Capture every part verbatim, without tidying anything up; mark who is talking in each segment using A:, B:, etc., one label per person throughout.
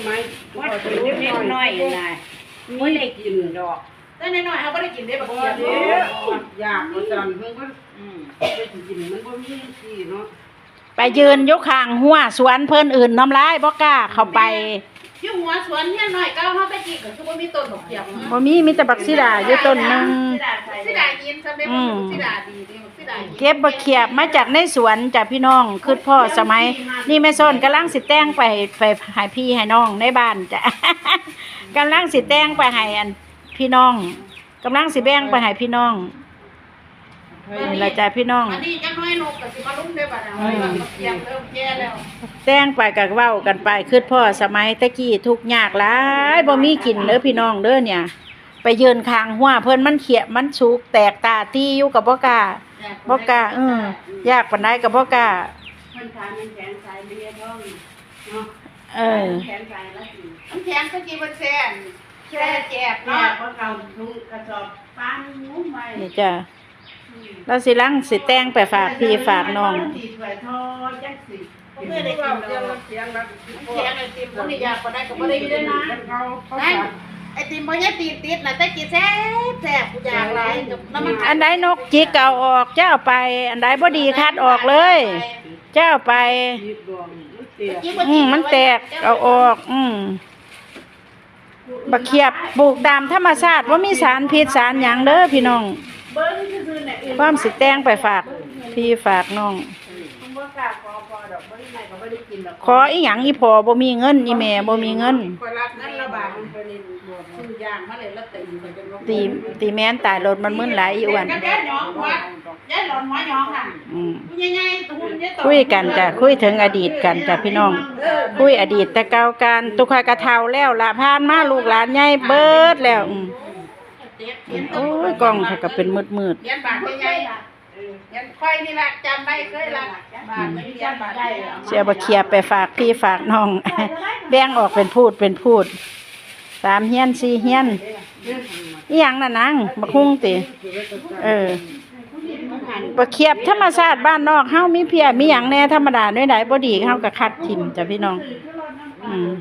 A: มัยว่าเป็นเล็กน้อยนะไม่ได้กินดอกแต่น้อยๆเขาไม่ได้กินได้แบบเดียวอยากประจันเพิ่งก็ได้กินมันก็มีที่เนาะ
B: ไปยืนยกข้างหัวสวนเพิ่นอื่นน้ำลายบ่กล้าเข้าไป
A: อยู่หัวสวนเนี่ยหน่อยก้าวเข้าไปกินก็คือว่ามีต้นดอกเขียว
B: บ่มีมีแต่บักซิดาอยู่ต้นนึง
A: ซิดายินซะได้บ่ซิดาดีซิดา
B: เก็บบักเขียบมาจากในสวนจากพี่น้องคือพ่อสมัยนี่แม่ส้นกำลังสิแต่งไปไปให้พี่ให้น้องในบ้านจ้ะกำลังสิแต่งไปให้อันพี่น้องกำลังสิแบ่งไปให้พี่น้องนี่ละจ้ะพี่น้อง
A: อันนี้จังน้อยนกก็สิมาลุ้มได้บัดนี้เขียบเริ่มแก่แล้ว
B: แต่งไปกับเว้ากันไปคือพ่อสมัยตะกี้ทุกข์ยากหลายบ่มีกินเด้อพี่น้องเด้อเนี่ยไปยืนข้างหัวเพิ่นมันเขียมันสุกแตกตาตีอยู่กับบ่กล้าบ่กล้าเออยากปานใดก็บ่กล้า
A: เพิ่นทานมันแข็งสายเบียร์ท้องเนาะ
B: เออ
A: แข็งสายละสิมันแข็งก็กินบ่แซ่บแซ่แจ็บเนาะบ่เก่าถุงกระสอบปานงุ้มไว้
B: นี่จ้ะเราสิลังสิแต่งไปฝากพี่ฝากน้อง
A: เพื่อได้กินเราเสียงแบบเสียงไอติมคนนี้อยากก็ได้ก็บ่ได้อยู่ด้วยนะนั่นไอติมบ่ใช่ตีติดนะแต่กินแซ่บแซ่บกูอยากหลายน้ำมัน
B: อันใดนกจิกเอาออกเจ้าไปอันใดบ่ดีคัดออกเลยเจ้าไปอืมมันแตกเอาออกอืมบักเขียบปลูกตามธรรมชาติว่ามีสารพิษสารหยังเด้อพี่น้องความสิแต่งไปฝากพี่ฝากน้องขออีหยังอีพอบ่มีเงินอีแม่บ่มีเงินตีตีแม่นตายรถมันมึนหลายอีอ้วนคุยกันจ้ะคุยถึงอดีตกันจ้ะพี่น้องคุยอดีตแต่เก่ากันตุกขากระเทาแล้วละผ่านมาลูกหลานใหญ่เบิดแล้วโอ้ยกล้องเขาก็เป็นมืดมืด
A: ยันบาทใหญ่ยันค่อยนี่แหละจำได้เคยละบาทไม่ยันบาทได้
B: เสียบะเขียบไปฝากพี่ฝากน้องแบ่งออกเป็นพูดเป็นพูดสามเฮียนสี่เฮียนอีหยังน่ะนางบักฮุ้งติเออบะเขียบธรรมชาติบ้านนอกเฮามีเพียมีหยังแน่ธรรมดาด้วยไหนบ่ดีเฮาก็คัดทิ่มจ้ะพี่น้องอืม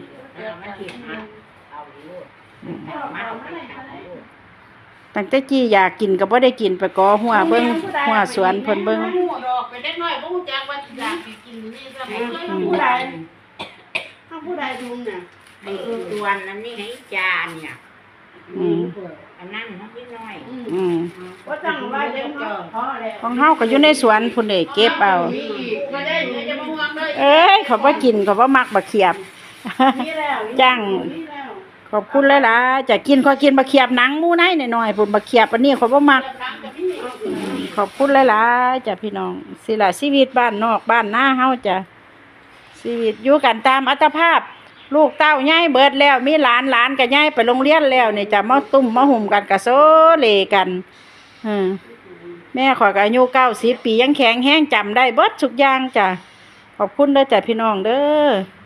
B: ตั้งแต่กี้อยากกินก็บ่ได้กินไปกอหัวเบิ่งหัวสวนเพิ่นเบิ่ง
A: ไปเด็กน้อยบ่ฮู้จักว่าอยากกินนี่ซะบ่เคยผู้ใดเฮาผู้ใดทุนน่ะไอ้ตัวนนั้นนี่ไอ้จานเนี่ยอืมอันนั้นเฮาพี่น้อย
B: อืม
A: บ่ต้องว่าเด็กน้อยพอแล้ว
B: ของเฮาก็อยู่ในสวนพุ่นเด้เก็บเอา
A: บ่ได้จะมาห่วงเลย
B: เอ้ยเขาบ่กินเขาบ่มักบักเขียบจังขอบคุณหลายๆจะกินขอกินบักเขียบหนังหมูไหนหน่อยๆพุ่นบักเขียบอันนี้เขาบ่มักขอบคุณหลายๆจ้ะพี่น้องสิล่ะชีวิตบ้านนอกบ้านนาเฮาจ้ะชีวิตอยู่กันตามอัตภาพลูกเต้าใหญ่เบิดแล้วมีหลานหลานก็ใหญ่ไปโรงเรียนแล้วนี่จ้ะมาตุ้มมาหุ่มกันก็โซเลกันอือแม่ข้อยก็อายุเก้าสิบปียังแข็งแรงจำได้เบิดทุกอย่างจ้ะขอบคุณเด้อจ้ะพี่น้องเด้อ